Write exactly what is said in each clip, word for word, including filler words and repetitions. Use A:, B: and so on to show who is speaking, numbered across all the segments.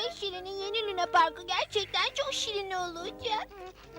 A: En şirinin yeni Luna Parkı gerçekten çok şirin olacak.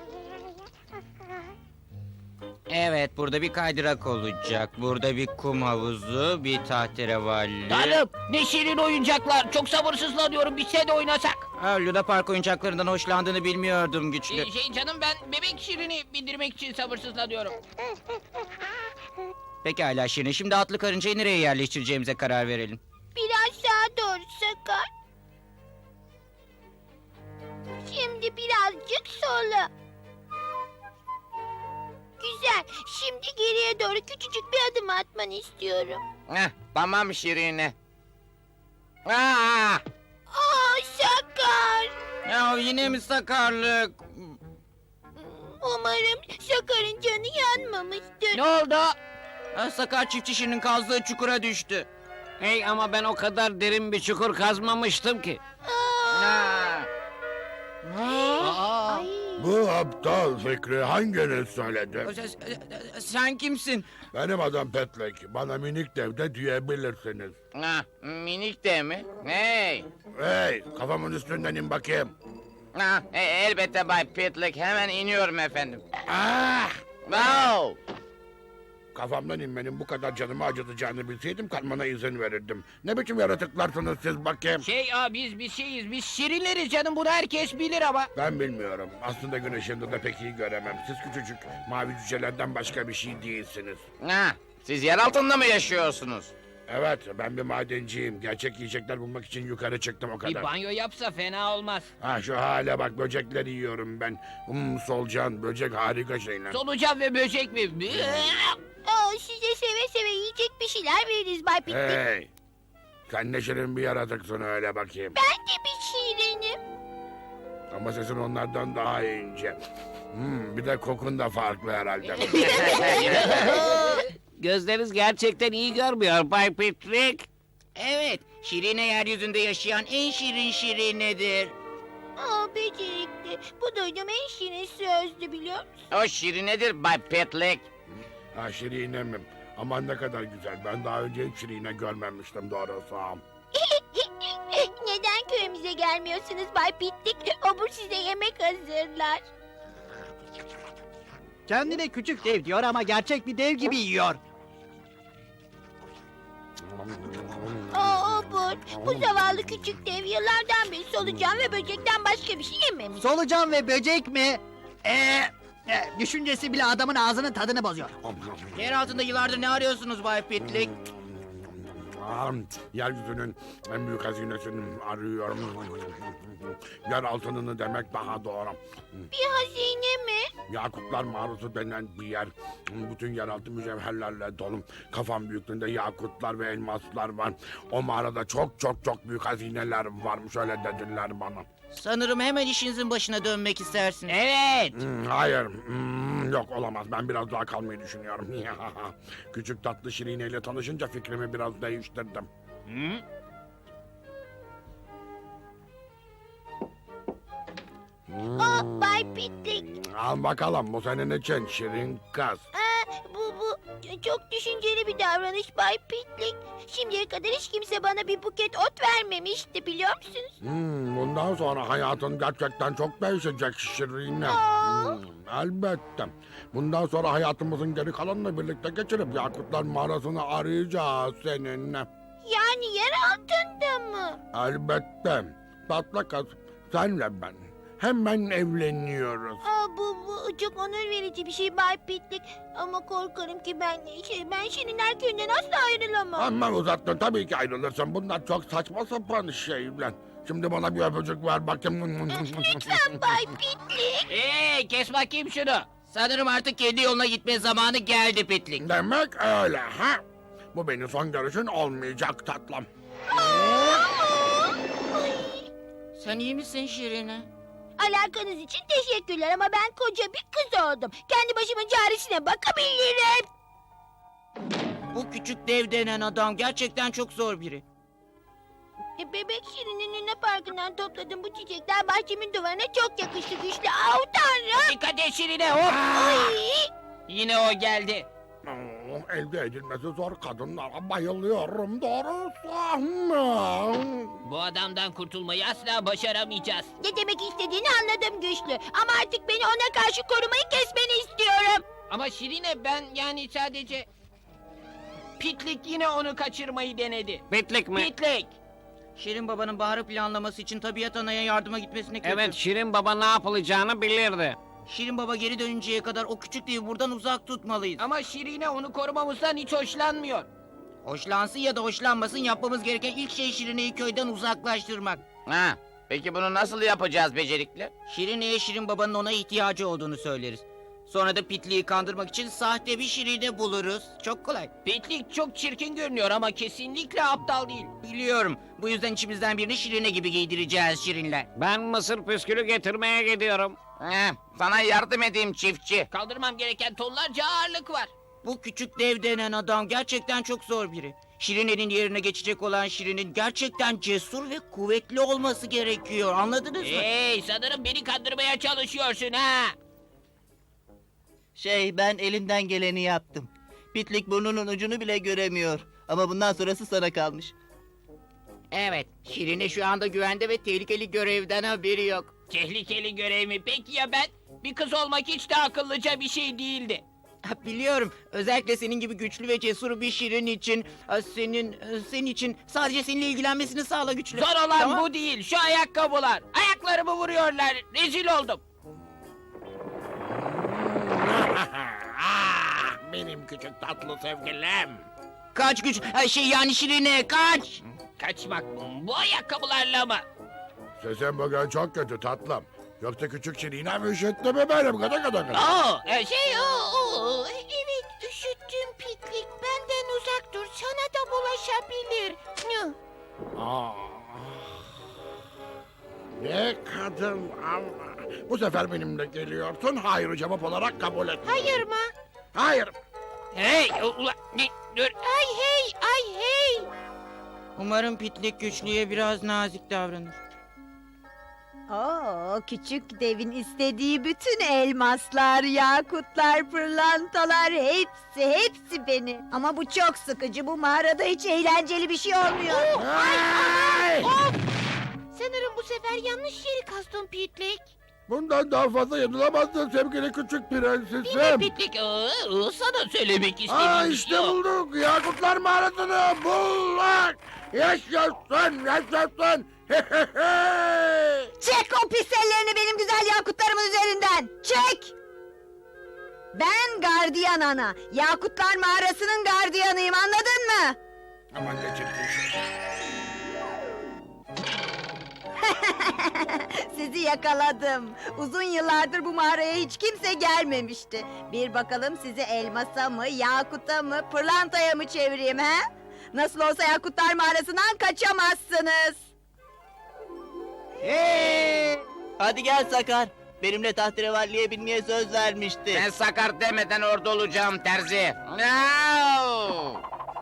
B: Evet, burada bir kaydırak olacak. Burada bir kum havuzu, bir tahterevalli.
C: Tanrım ne şirin oyuncaklar. Çok sabırsızlanıyorum. Biz de oynasak.
B: Ha, Luna Park oyuncaklarından hoşlandığını bilmiyordum güçlü.
C: Ee, şey canım ben bebek şirini bindirmek için sabırsızlanıyorum.
B: Pekala Şirin, şimdi atlı karıncayı nereye yerleştireceğimize karar verelim.
A: Biraz sağa doğru Sakar. Şimdi birazcık sola. Güzel. Şimdi geriye doğru küçücük bir adım atmanı istiyorum.
D: Heh, tamam Şirine. Aa!
A: Aa Sakar.
B: Ya yine mi sakarlık?
A: Umarım Sakar'ın canı yanmamıştır.
C: Ne oldu?
B: Ha, Sakar çiftçi Şirin'in kazdığı çukura düştü.
C: Hey ama ben o kadar derin bir çukur kazmamıştım ki.
A: Aa.
C: Aa.
A: Ay.
E: Bu aptal fikri hanginiz söyledi?
B: Sen, sen kimsin?
E: Benim adım Petlek. Bana minik dev de diyebilirsiniz.
D: Ha, minik de mi? Hey!
E: Hey, kafamın üstünden in bakayım.
D: Ha, e, elbette Bay Pitlick. Hemen iniyorum efendim.
E: Ah!
D: Wow!
E: Kafamdan inmenin bu kadar canımı acıtacağını bilseydim kalmana izin verirdim. Ne biçim yaratıklarsınız siz bakayım?
C: Şey aa, biz bir şeyiz. Biz şirinleriz canım. Bunu herkes bilir ama.
E: Ben bilmiyorum. Aslında gün ışığında da pek iyi göremem. Siz küçücük mavi cücelerden başka bir şey değilsiniz.
D: Ha, siz yer altında mı yaşıyorsunuz?
E: Evet, ben bir madenciyim. Gerçek yiyecekler bulmak için yukarı çıktım o
C: Bir
E: kadar.
C: banyo yapsa fena olmaz.
E: Ha şu hale bak, böcekleri yiyorum ben. Hmm, solucan, böcek harika şeyler.
C: Solucan ve böcek mi?
A: Aa, size seve seve yiyecek bir şeyler veririz Bay Pitlik.
E: Hey! Sen ne şirin bir yaratıksın öyle bakayım.
A: Ben de bir şirinim.
E: Ama sesin onlardan daha ince. Hmm, bir de kokun da farklı herhalde.
C: Gözleriniz gerçekten iyi görmüyor Bay Pitlick.
B: Evet, Şirine yeryüzünde yaşayan en şirin Şirinedir.
A: Aa becerikli. Bu duyduğum en şirin sözdü biliyor musun?
D: O Şirinedir Bay Pitlick.
E: Ha şirinemim. Aman ne kadar güzel. Ben daha önce hiç şirine görmemiştim doğrusu.
A: Neden köyümüze gelmiyorsunuz Bay Pitlik? Obur size yemek hazırlar.
F: Kendine küçük dev diyor ama gerçek bir dev gibi yiyor.
A: Aa Obur, bu zavallı küçük dev yıllardan beri solucan ve böcekten başka bir şey yememiş.
F: Solucan ve böcek mi? Ee, e, düşüncesi bile adamın ağzının tadını bozuyor.
B: Yer altında yıllardır ne arıyorsunuz Bay Pitlik?
E: Ah, yeryüzünün en büyük hazinesini arıyorum. Yer altınını demek daha doğru.
A: Bir hazine mi?
E: Yakutlar mağarası denen bir yer. Bütün yeraltı mücevherlerle dolu. Kafam büyüklüğünde yakutlar ve elmaslar var. O mağarada çok çok çok büyük hazineler varmış, öyle dediler bana.
B: Sanırım hemen işinizin başına dönmek istersiniz.
C: Evet.
E: Hmm, hayır, hmm, yok olamaz. Ben biraz daha kalmayı düşünüyorum. Küçük tatlı Şirine'yle tanışınca fikrimi biraz değiştirdim.
C: Hı?
A: Aa Bay Pitlik.
E: Al bakalım, bu senin için Şirin kız.
A: Aa, bu bu çok düşünceli bir davranış Bay Pitlik. Şimdiye kadar hiç kimse bana bir buket ot vermemişti biliyor musunuz?
E: Hmm, bundan sonra hayatın gerçekten çok değişecek Şirine.
A: Aa.
E: Hmm, elbette. Bundan sonra hayatımızın geri kalanını birlikte geçirip Yakutlar mağarasını arayacağız seninle.
A: Yani yer altında mı?
E: Elbette. Tatlı kız, senle ben hemen evleniyoruz.
A: Aa, bu, bu çok onur verici bir şey Bay Pitlik. Ama korkarım ki ben şey, ben Şirinler köyünden asla ayrılamam.
E: Aman uzattın, tabii ki ayrılırsın. Bunlar çok saçma sapan şeyler. Şimdi bana bir öpücük ver bakayım.
A: Lütfen Bay Pitlik.
C: Hey kes bakayım şunu.
B: Sanırım artık kendi yoluna gitme zamanı geldi Pitlik.
E: Demek öyle ha? Bu benim son görüşün olmayacak tatlım.
B: Sen iyi misin Şirine?
A: Alakanız için teşekkürler ama ben koca bir kız oldum. Kendi başımın çaresine bakabilirim.
B: Bu küçük dev denen adam gerçekten çok zor biri.
A: E, Bebek Şirin'in Luna Parkı'ndan topladığım bu çiçekler bahçemin duvarına çok yakıştı güçlü. Au tanrım.
C: Dikkat et şirine hop.
A: Ay.
C: Yine o geldi.
E: Oh, elde edilmesi zor kadınlara bayılıyorum doğrusu.
G: Bu adamdan kurtulmayı asla başaramayacağız.
A: Ne demek istediğini anladım güçlü. Ama artık beni ona karşı korumayı kesmeni istiyorum.
G: Ama Şirine ben yani sadece... Pitlik yine onu kaçırmayı denedi.
C: Pitlik mi?
G: Pitlik!
B: Şirin babanın Bahar'ı planlaması için tabiat anaya yardıma gitmesine kötü.
C: Evet, Şirin Baba ne yapılacağını bilirdi.
B: Şirin baba geri dönünceye kadar o küçük devi buradan uzak tutmalıyız.
G: Ama Şirine onu korumamızdan hiç hoşlanmıyor.
B: Hoşlansın ya da hoşlanmasın yapmamız gereken ilk şey Şirine'yi köyden uzaklaştırmak.
D: Ha, peki bunu nasıl yapacağız becerikli?
B: Şirine'ye Şirin babanın ona ihtiyacı olduğunu söyleriz. Sonra da Pitli'yi kandırmak için sahte bir Şirine buluruz. Çok kolay.
G: Pitlik çok çirkin görünüyor ama kesinlikle aptal değil.
B: Biliyorum. Bu yüzden içimizden birini Şirine gibi giydireceğiz Şirinler.
C: Ben mısır püskülü getirmeye gidiyorum.
D: Heh, sana yardım edeyim çiftçi.
G: Kaldırmam gereken tonlarca ağırlık var.
B: Bu küçük dev denen adam gerçekten çok zor biri. Şirine'nin yerine geçecek olan Şirin'in gerçekten cesur ve kuvvetli olması gerekiyor. Anladınız mı?
G: Hey, sanırım beni kandırmaya çalışıyorsun ha.
H: Şey, ben elimden geleni yaptım. Pitlik burnunun ucunu bile göremiyor. Ama bundan sonrası sana kalmış.
B: Evet, Şirine şu anda güvende ve tehlikeli görevden haberi yok.
G: Tehlikeli görev mi? Peki ya ben? Bir kız olmak hiç de akıllıca bir şey değildi.
B: Ha, biliyorum. Özellikle senin gibi güçlü ve cesur bir Şirin için, ha, senin e, senin için sadece seninle ilgilenmesini sağla güçlü.
G: Zor olan
B: Tamam.
G: bu değil. Şu ayakkabılar. Ayaklarımı vuruyorlar. Rezil oldum.
E: Ah, benim küçük tatlı sevgilim.
B: Kaç güç, ha, şey yani Şirine kaç.
G: Kaçmak mı? Bu ayakkabılarla mı?
E: Sesin bugün çok kötü tatlım. Yoksa küçük Şirine mi üşüttü mü benim gıda gıda gıda?
G: Oo, e, şey o.
A: Oo, evet üşüttüm Pitlik. Benden uzak dur. Sana da bulaşabilir. Hı.
E: Ah, ne kadın ama. Bu sefer benimle geliyorsun. Hayır cevap olarak kabul et.
A: Hayır mı?
E: Hayır.
G: Hey, ula, ne, dur.
A: Ay hey, ay hey.
B: Umarım Pitlik güçlüye biraz nazik davranır.
I: Oo, küçük devin istediği bütün elmaslar, yakutlar, pırlantalar hepsi, hepsi benim. Ama bu çok sıkıcı. Bu mağarada hiç eğlenceli bir şey olmuyor.
E: Hey!
A: Sanırım bu sefer yanlış yeri kastın Pitlik.
E: Bundan daha fazla yanılamazsın sevgili küçük
G: Değil mi
E: prensesim.
G: Pitlik? Aa, sana söylemek istediğim
E: Aa
G: şey
E: işte
G: o.
E: bulduk. Yakutlar mağarasını bulduk. Yaşasın, yaşasın.
I: Çek o pis ellerini benim güzel yakutlarımın üzerinden. Çek! Ben gardiyan ana. Yakutlar mağarasının gardiyanıyım, anladın mı?
E: Aman ne çirkin şey.
I: Sizi yakaladım. Uzun yıllardır bu mağaraya hiç kimse gelmemişti. Bir bakalım sizi elmasa mı, yakuta mı, pırlantaya mı çevireyim he? Nasıl olsa Yakutlar Mağarası'ndan kaçamazsınız.
H: Hey! Hadi gel Sakar. Benimle tahterevalliye binmeye söz vermişti.
D: Ben sakar demeden orada olacağım terzi. No!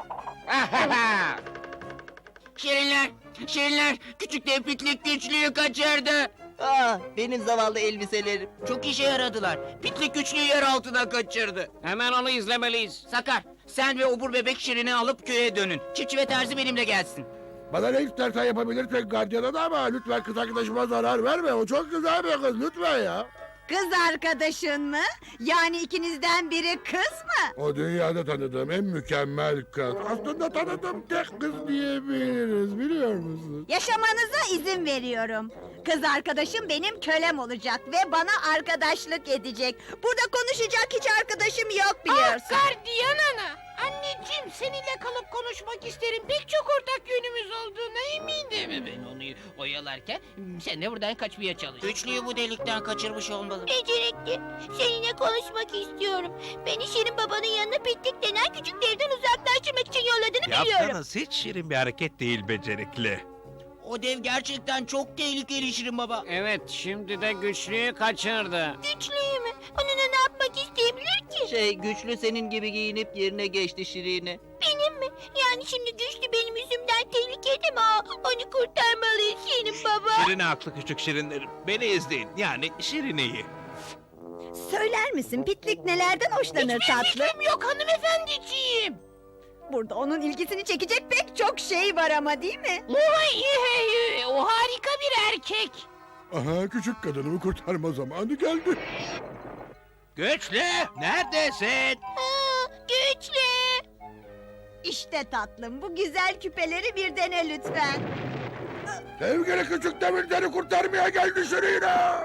B: Şirinler, Şirinler, küçük dev Pitlik güçlüyü kaçırdı.
H: Ah, benim zavallı elbiselerim.
B: Çok işe yaradılar. Pitlik güçlüyü yer altına kaçırdı.
C: Hemen onu izlemeliyiz.
B: Sakar, sen ve obur bebek Şirin'i alıp köye dönün. Çiftçi ve terzi benimle gelsin.
E: Bana ne istersen yapabilirsin gardiyana da ama lütfen kız arkadaşıma zarar verme. O çok güzel bir kız lütfen ya.
I: Kız arkadaşın mı? Yani ikinizden biri kız mı?
E: O dünyada tanıdığım en mükemmel kız. Aslında tanıdığım tek kız diyebiliriz biliyor musun?
I: Yaşamanıza izin veriyorum. Kız arkadaşım benim kölem olacak ve bana arkadaşlık edecek. Burada konuşacak hiç arkadaşım yok biliyorsun.
A: Gardiyan ana. Anneciğim seninle kalıp konuşmak isterim. Pek çok ortak yönümüz olduğuna eminim.
G: Ben onu oyalarken sen de buradan kaçmaya çalış.
B: Güçlüyü bu delikten kaçırmış olmalı.
A: Becerikli. Seninle konuşmak istiyorum. Beni Şirin babanın yanına Pitlik denen küçük devden uzaklaştırmak için yolladığını biliyorum.
J: Yaptığınız hiç şirin bir hareket değil becerikli.
B: O dev gerçekten çok tehlikeli Şirin baba.
C: Evet, şimdi de güçlüyü kaçırdı.
A: Güçlüyü mü? Onunla ne yapmak isteyebilir ki?
H: Şey, güçlü senin gibi giyinip yerine geçti Şirin'i.
A: Benim mi? Yani şimdi güçlü benim yüzümden tehlikede mi? Aa, onu kurtarmalıyız Şirin baba.
J: Şirine haklı küçük şirinlerim. Beni izleyin yani Şirine'yi.
I: Söyler misin Pitlik nelerden hoşlanır
G: Hiçbir
I: tatlı?
G: fikrim yok hanımefendiciğim.
I: Burada onun ilgisini çekecek pek çok şey var ama değil mi?
G: Vay, hey, o harika bir erkek.
E: Aha, küçük kadınımı kurtarma zamanı geldi.
J: Güçlü, neredesin?
A: Aa, güçlü.
I: İşte tatlım, bu güzel küpeleri bir dene lütfen.
E: Sevgili küçük demirleri kurtarmaya geldi Şirine.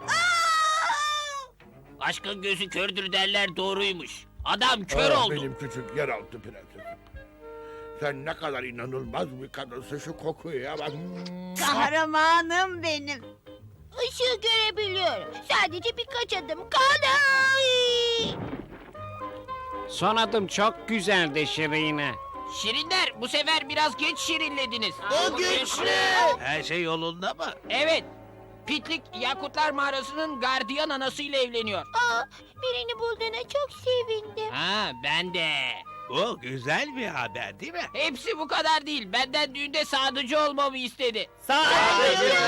C: Aşkın gözü kördür derler doğruymuş. Adam kör
E: Ah,
C: oldu.
E: Benim küçük yeraltı prensesim. Sen ne kadar inanılmaz bir kadınsın, şu kokuya bak.
I: Kahramanım benim.
A: Işığı görebiliyorum. Sadece birkaç adım kaldı. Ay!
C: Son adım çok güzeldi Şirine.
G: Şirinler bu sefer biraz geç şirinlediniz.
H: O güçlü.
J: Her şey yolunda mı?
G: Evet. Pitlik Yakutlar Mağarası'nın gardiyan anasıyla evleniyor.
A: Aa, birini bulduğuna çok sevindim.
C: Ha ben de.
J: Bu güzel bir haber değil mi?
G: Hepsi bu kadar değil. Benden düğünde sadıcı olmamı istedi.
H: Sadıcı.